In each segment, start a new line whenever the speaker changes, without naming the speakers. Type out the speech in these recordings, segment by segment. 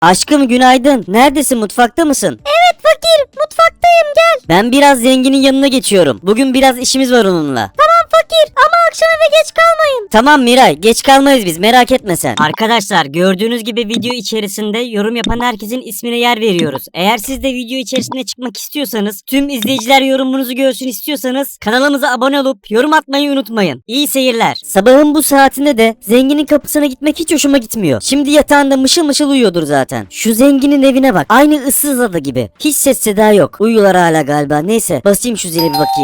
Aşkım günaydın. Neredesin? Mutfakta mısın?
Evet fakir, mutfaktayım, gel.
Ben biraz zenginin yanına geçiyorum. Bugün biraz işimiz var onunla.
Tamam fakir ama akşam eve geç kalmayın.
Tamam Miray, geç kalmayız biz, merak etme sen. Arkadaşlar gördüğünüz gibi video içerisinde yorum yapan herkesin ismine yer veriyoruz. Eğer siz de video içerisinde çıkmak istiyorsanız, tüm izleyiciler yorumunuzu görsün istiyorsanız kanalımıza abone olup yorum atmayı unutmayın. İyi seyirler. Sabahın bu saatinde de zenginin kapısına gitmek hiç hoşuma gitmiyor. Şimdi yatağında mışıl mışıl uyuyordur zaten. Şu zenginin evine bak. Aynı ıssız ada gibi. Hiç ses seda yok. Uyuyorlar hala galiba. Neyse basayım şu zile bir bakayım.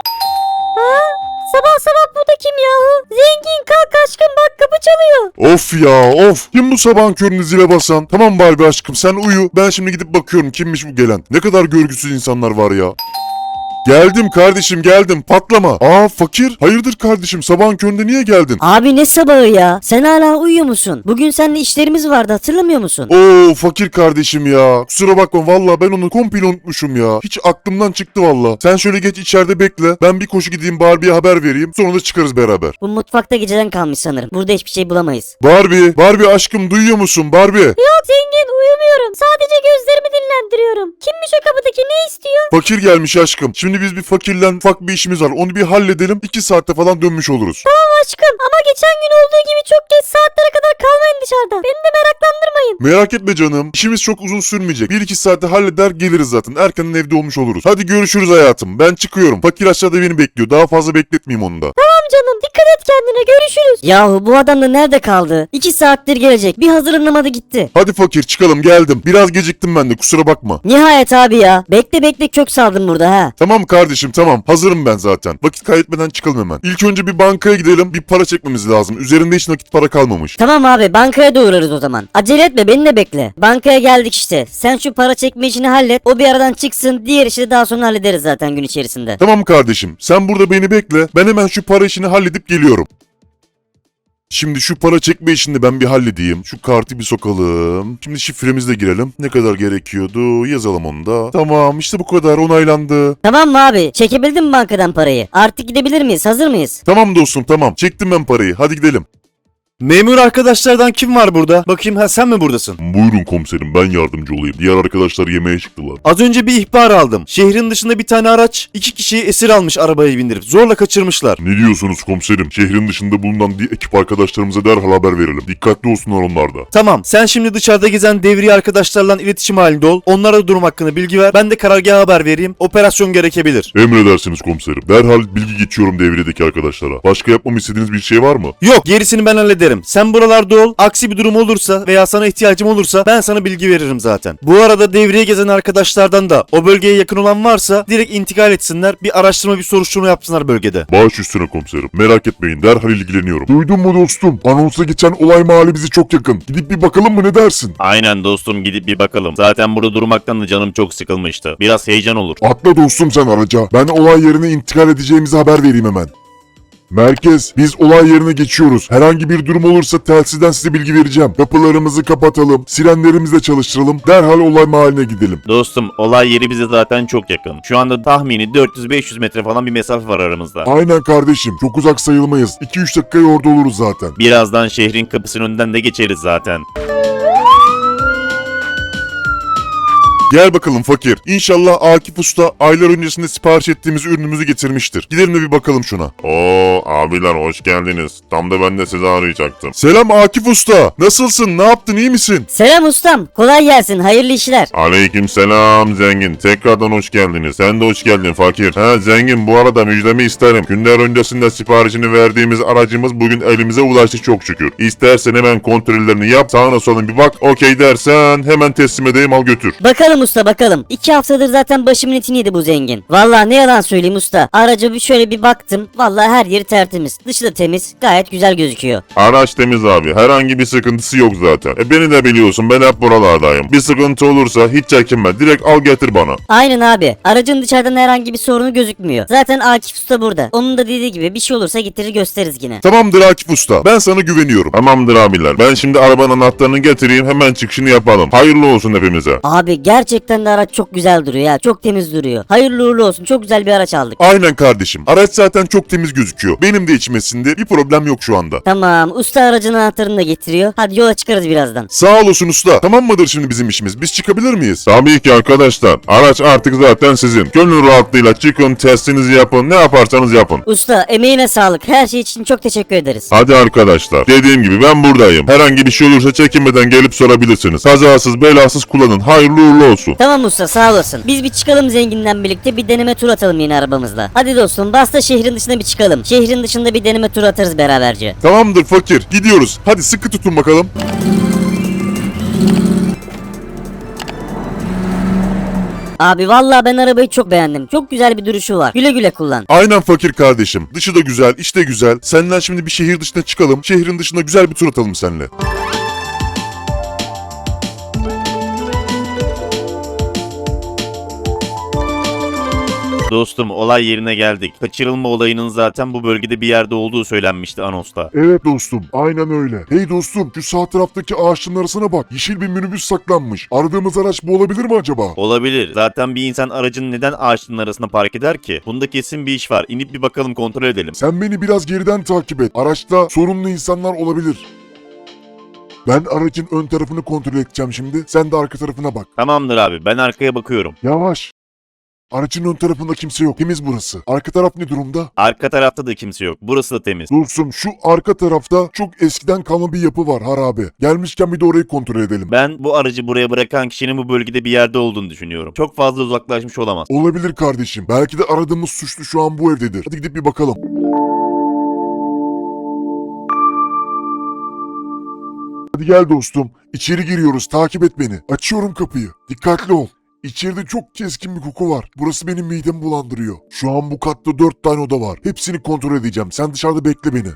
Sabah sabah bu da kim yahu? Zengin kalk aşkım, bak kapı çalıyor.
Of ya of. Kim bu sabahın köründe zile basan? Tamam Barbie aşkım sen uyu. Ben şimdi gidip bakıyorum kimmiş bu gelen. Ne kadar görgüsüz insanlar var ya. Geldim kardeşim geldim, patlama. Aa fakir, hayırdır kardeşim, sabahın köründe niye geldin?
Abi ne sabahı ya? Sen hala uyuyor musun? Bugün seninle işlerimiz vardı, hatırlamıyor musun?
Oo fakir kardeşim ya. Kusura bakma valla, ben onu komple unutmuşum ya. Hiç aklımdan çıktı valla. Sen şöyle geç içeride bekle. Ben bir koşu gideyim Barbie'ye haber vereyim. Sonra da çıkarız beraber.
Bu mutfakta geceden kalmış sanırım. Burada hiçbir şey bulamayız.
Barbie aşkım duyuyor musun Barbie?
Yok zengin, uyumuyorum. Sadece gözlerimi dinlendiriyorum. Kimmiş o kapıdaki, ne istiyor?
Fakir gelmiş aşkım. Şimdi biz bir fakirle ufak bir işimiz var. Onu bir halledelim. 2 saatte falan dönmüş oluruz.
Tamam aşkım ama geçen gün olduğu gibi çok geç saatlere kadar kalmayın dışarıda. Beni de meraklandırmayın.
Merak etme canım. İşimiz çok uzun sürmeyecek. 1-2 saatte halleder geliriz zaten. Erkenden evde olmuş oluruz. Hadi görüşürüz hayatım. Ben çıkıyorum. Fakir aşağıda beni bekliyor. Daha fazla bekletmeyeyim onu da.
Tamam canım, dikkat et kendine, görüşürüz.
Yahu bu adam da nerede kaldı? 2 saattir gelecek. Bir hazırlanamadı gitti.
Hadi fakir çıkalım, geldim. Biraz geciktim ben de, kusura bakma.
Nihayet abi ya. Bekle bekle kök saldım burada ha.
Tamam kardeşim tamam. Hazırım ben zaten. Vakit kaybetmeden çıkalım hemen. İlk önce bir bankaya gidelim. Bir para çekmemiz lazım. Üzerinde hiç nakit para kalmamış.
Tamam abi, bankaya da uğrarız o zaman. Acele etme, beni de bekle. Bankaya geldik işte. Sen şu para çekme işini hallet. O bir aradan çıksın. Diğer işi de daha sonra hallederiz zaten gün içerisinde.
Tamam kardeşim. Sen burada beni bekle. Ben hemen şu para işini halledip geliyorum. Şimdi şu para çekme işini ben bir halledeyim. Şu kartı bir sokalım. Şimdi şifremizle girelim. Ne kadar gerekiyordu? Yazalım onu da. Tamam işte bu kadar, onaylandı.
Tamam mı abi? Çekebildin mi bankadan parayı? Artık gidebilir miyiz? Hazır mıyız?
Tamam dostum tamam. Çektim ben parayı. Hadi gidelim.
Memur arkadaşlardan kim var burada? Bakayım, ha sen mi buradasın?
Buyurun komiserim, ben yardımcı olayım. Diğer arkadaşlar yemeğe çıktılar.
Az önce bir ihbar aldım. Şehrin dışında bir tane araç 2 kişiyi esir almış, arabaya bindirip zorla kaçırmışlar.
Ne diyorsunuz komiserim? Şehrin dışında bulunan ekip arkadaşlarımıza derhal haber verelim. Dikkatli olsunlar onlar da.
Tamam, sen şimdi dışarıda gezen devriye arkadaşlarla iletişim halinde ol. Onlara durum hakkında bilgi ver. Ben de karargaha haber vereyim. Operasyon gerekebilir.
Emredersiniz komiserim. Derhal bilgi geçiyorum devriyedeki arkadaşlara. Başka yapmamı istediğiniz bir şey var mı?
Yok, gerisini ben hallederim. Sen buralarda ol. Aksi bir durum olursa veya sana ihtiyacım olursa ben sana bilgi veririm zaten. Bu arada devriye gezen arkadaşlardan da o bölgeye yakın olan varsa direkt intikal etsinler. Bir araştırma, bir soruşturma yapsınlar bölgede.
Baş üstüne komiserim. Merak etmeyin, derhal ilgileniyorum. Duydun mu dostum? Anonsa geçen olay mahalli bize çok yakın. Gidip bir bakalım mı, ne dersin?
Aynen dostum, gidip bir bakalım. Zaten burada durmaktan da canım çok sıkılmıştı. Biraz heyecan olur.
Atla dostum sen araca. Ben olay yerine intikal edeceğimizi haber vereyim hemen. Merkez, biz olay yerine geçiyoruz. Herhangi bir durum olursa telsizden size bilgi vereceğim. Kapılarımızı kapatalım, sirenlerimizi de çalıştıralım. Derhal olay mahalline gidelim.
Dostum, olay yeri bize zaten çok yakın. Şu anda tahmini 400-500 metre falan bir mesafe var aramızda.
Aynen kardeşim, çok uzak sayılmayız. 2-3 dakikaya orada oluruz zaten.
Birazdan şehrin kapısının önünden de geçeriz zaten.
Gel bakalım fakir. İnşallah Akif Usta aylar öncesinde sipariş ettiğimiz ürünümüzü getirmiştir. Gidelim de bir bakalım şuna. Oo abiler hoş geldiniz. Tam da ben de sizi arayacaktım. Selam Akif Usta. Nasılsın? Ne yaptın? İyi misin?
Selam ustam. Kolay gelsin. Hayırlı işler.
Aleyküm selam zengin. Tekrardan hoş geldiniz. Sen de hoş geldin fakir. Zengin, bu arada müjdemi isterim. Günler öncesinde siparişini verdiğimiz aracımız bugün elimize ulaştı çok şükür. İstersen hemen kontrollerini yap. Sağına soluna bir bak. Okey dersen hemen teslim edeyim, al götür.
Bakalım usta bakalım. 2 haftadır zaten başımın etini yedi bu zengin. Vallahi ne yalan söyleyeyim usta. Araca bir şöyle bir baktım. Vallahi her yeri tertemiz. Dışı da temiz. Gayet güzel gözüküyor.
Araç temiz abi. Herhangi bir sıkıntısı yok zaten. Beni de biliyorsun, ben hep buralardayım. Bir sıkıntı olursa hiç çekinme. Direkt al getir bana.
Aynen abi. Aracın dışarıdan herhangi bir sorunu gözükmüyor. Zaten Akif usta burada. Onun da dediği gibi bir şey olursa getirir gösteririz yine.
Tamamdır Akif Usta. Ben sana güveniyorum. Tamamdır abiler. Ben şimdi arabanın anahtarını getireyim. Hemen çıkışını yapalım. Hayırlı olsun hepimize.
Abi gerçekten Gerçekten de araç çok güzel duruyor ya. Çok temiz duruyor. Hayırlı uğurlu olsun. Çok güzel bir araç aldık.
Aynen kardeşim. Araç zaten çok temiz gözüküyor. Benim de içmesinde bir problem yok şu anda.
Tamam. Usta aracın anahtarını da getiriyor. Hadi yola çıkarız birazdan.
Sağ olasın usta. Tamam mıdır şimdi bizim işimiz? Biz çıkabilir miyiz? Tabii ki arkadaşlar. Araç artık zaten sizin. Gönül rahatlığıyla çıkın, testinizi yapın, ne yaparsanız yapın.
Usta emeğine sağlık. Her şey için çok teşekkür ederiz.
Hadi arkadaşlar. Dediğim gibi ben buradayım. Herhangi bir şey olursa çekinmeden gelip sorabilirsiniz. Kazasız belasız kullanın. Hayırlı uğurlu olsun.
Tamam usta sağ olasın. Biz bir çıkalım zenginden birlikte bir deneme tur atalım yine arabamızla. Hadi dostum bas da şehrin dışına bir çıkalım. Şehrin dışında bir deneme tur atarız beraberce.
Tamamdır fakir. Gidiyoruz. Hadi sıkı tutun bakalım.
Abi vallahi ben arabayı çok beğendim. Çok güzel bir duruşu var. Güle güle kullan.
Aynen fakir kardeşim. Dışı da güzel, iç de güzel. Senden şimdi bir şehir dışına çıkalım. Şehrin dışında güzel bir tur atalım seninle.
Dostum olay yerine geldik. Kaçırılma olayının zaten bu bölgede bir yerde olduğu söylenmişti anonsta.
Evet dostum, aynen öyle. Hey dostum, şu sağ taraftaki ağaçların arasına bak. Yeşil bir minibüs saklanmış. Aradığımız araç bu olabilir mi acaba?
Olabilir. Zaten bir insan aracını neden ağaçların arasına park eder ki? Bunda kesin bir iş var. İnip bir bakalım kontrol edelim.
Sen beni biraz geriden takip et. Araçta sorunlu insanlar olabilir. Ben aracın ön tarafını kontrol edeceğim şimdi. Sen de arka tarafına bak.
Tamamdır abi ben arkaya bakıyorum.
Yavaş. Aracın ön tarafında kimse yok. Temiz burası. Arka taraf ne durumda?
Arka tarafta da kimse yok. Burası da temiz.
Dostum şu arka tarafta çok eskiden kalma bir yapı var harabe. Gelmişken bir de orayı kontrol edelim.
Ben bu aracı buraya bırakan kişinin bu bölgede bir yerde olduğunu düşünüyorum. Çok fazla uzaklaşmış olamaz.
Olabilir kardeşim. Belki de aradığımız suçlu şu an bu evdedir. Hadi gidip bir bakalım. Hadi gel dostum. İçeri giriyoruz. Takip et beni. Açıyorum kapıyı. Dikkatli ol. İçeride çok keskin bir koku var. Burası benim midemi bulandırıyor. Şu an bu katta 4 tane oda var. Hepsini kontrol edeceğim. Sen dışarıda bekle beni.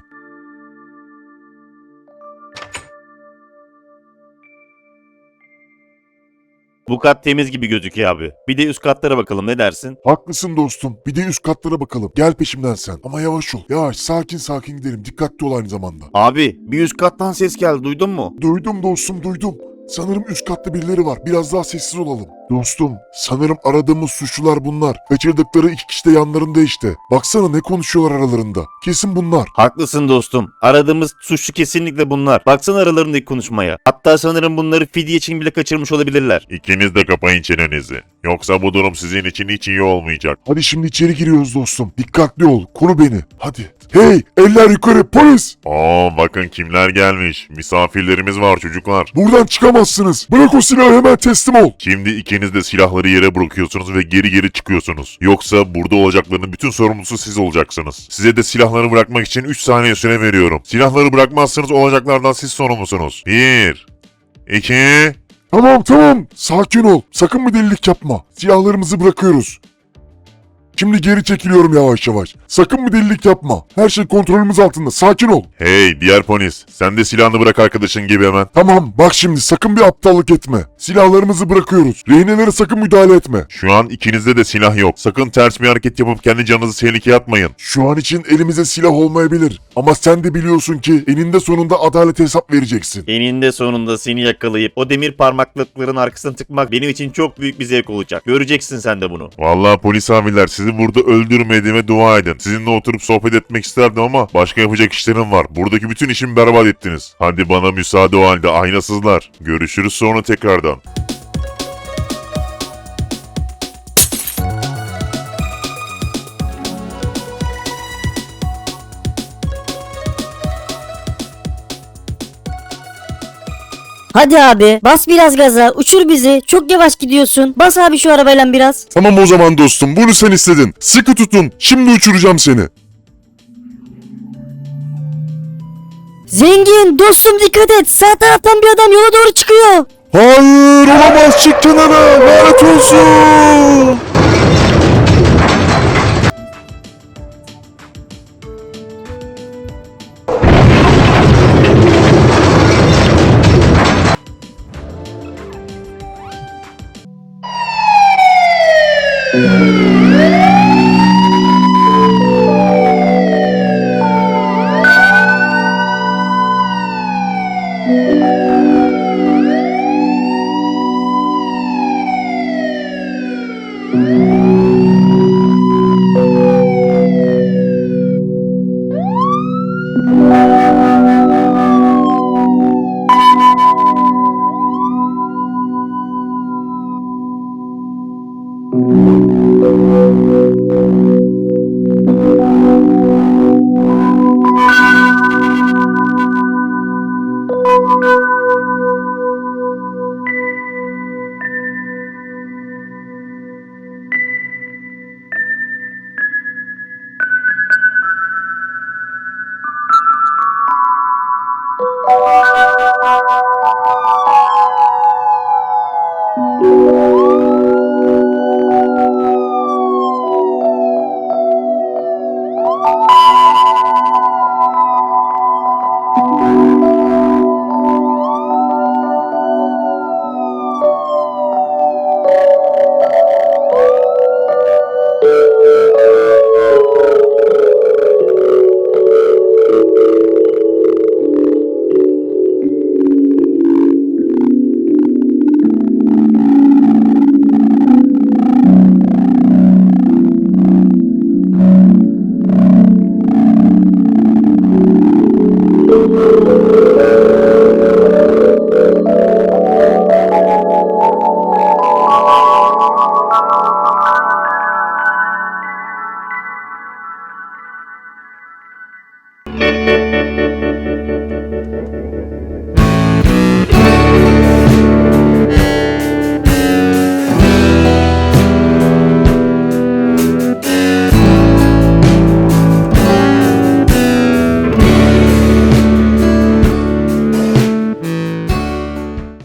Bu kat temiz gibi gözüküyor abi. Bir de üst katlara bakalım ne dersin?
Haklısın dostum. Bir de üst katlara bakalım. Gel peşimden sen. Ama yavaş ol. Yavaş, sakin sakin gidelim. Dikkatli ol aynı zamanda.
Abi bir üst kattan ses geldi duydun mu?
Duydum dostum, duydum. Sanırım üst katta birileri var. Biraz daha sessiz olalım. Dostum, sanırım aradığımız suçlular bunlar. Kaçırdıkları 2 kişi de yanlarında işte. Baksana ne konuşuyorlar aralarında. Kesin bunlar.
Haklısın dostum. Aradığımız suçlu kesinlikle bunlar. Baksana aralarındaki konuşmaya. Hatta sanırım bunları fidye için bile kaçırmış olabilirler.
İkiniz de kapayın çenenizi. Yoksa bu durum sizin için hiç iyi olmayacak. Hadi şimdi içeri giriyoruz dostum. Dikkatli ol. Koru beni. Hadi. Hey! Eller yukarı! Polis! Bakın kimler gelmiş. Misafirlerimiz var çocuklar. Buradan çıkamazsınız. Bırak o silahı, hemen teslim ol. Şimdi ikiniz de silahları yere bırakıyorsunuz ve geri geri çıkıyorsunuz. Yoksa burada olacaklarının bütün sorumlusu siz olacaksınız. Size de silahları bırakmak için 3 saniye süre veriyorum. Silahları bırakmazsanız olacaklardan siz sorumlusunuz. 1 2 Tamam. Sakin ol. Sakın bir delilik yapma. Silahlarımızı bırakıyoruz. Şimdi geri çekiliyorum yavaş yavaş. Sakın bir delilik yapma. Her şey kontrolümüz altında. Sakin ol. Hey diğer polis. Sen de silahını bırak arkadaşın gibi hemen. Tamam bak şimdi sakın bir aptallık etme. Silahlarımızı bırakıyoruz. Rehinelere sakın müdahale etme. Şu an ikinizde de silah yok. Sakın ters bir hareket yapıp kendi canınızı tehlikeye atmayın. Şu an için elimize silah olmayabilir. Ama sen de biliyorsun ki eninde sonunda adalete hesap vereceksin.
Eninde sonunda seni yakalayıp o demir parmaklıkların arkasına tıkmak benim için çok büyük bir zevk olacak. Göreceksin sen de bunu.
Vallahi polis abiler sizi burada öldürmediğime dua edin. Sizinle oturup sohbet etmek isterdim ama başka yapacak işlerim var. Buradaki bütün işimi berbat ettiniz. Hadi bana müsaade o halde aynasızlar. Görüşürüz sonra tekrardan.
Hadi abi bas biraz gaza uçur bizi. Çok yavaş gidiyorsun. Bas abi şu arabayla biraz.
Tamam o zaman dostum bunu sen istedin. Sıkı tutun. Şimdi uçuracağım seni.
Zengin dostum dikkat et. Sağ taraftan bir adam yola doğru çıkıyor.
Hayır olamaz, çık kenara. Lanet olsun.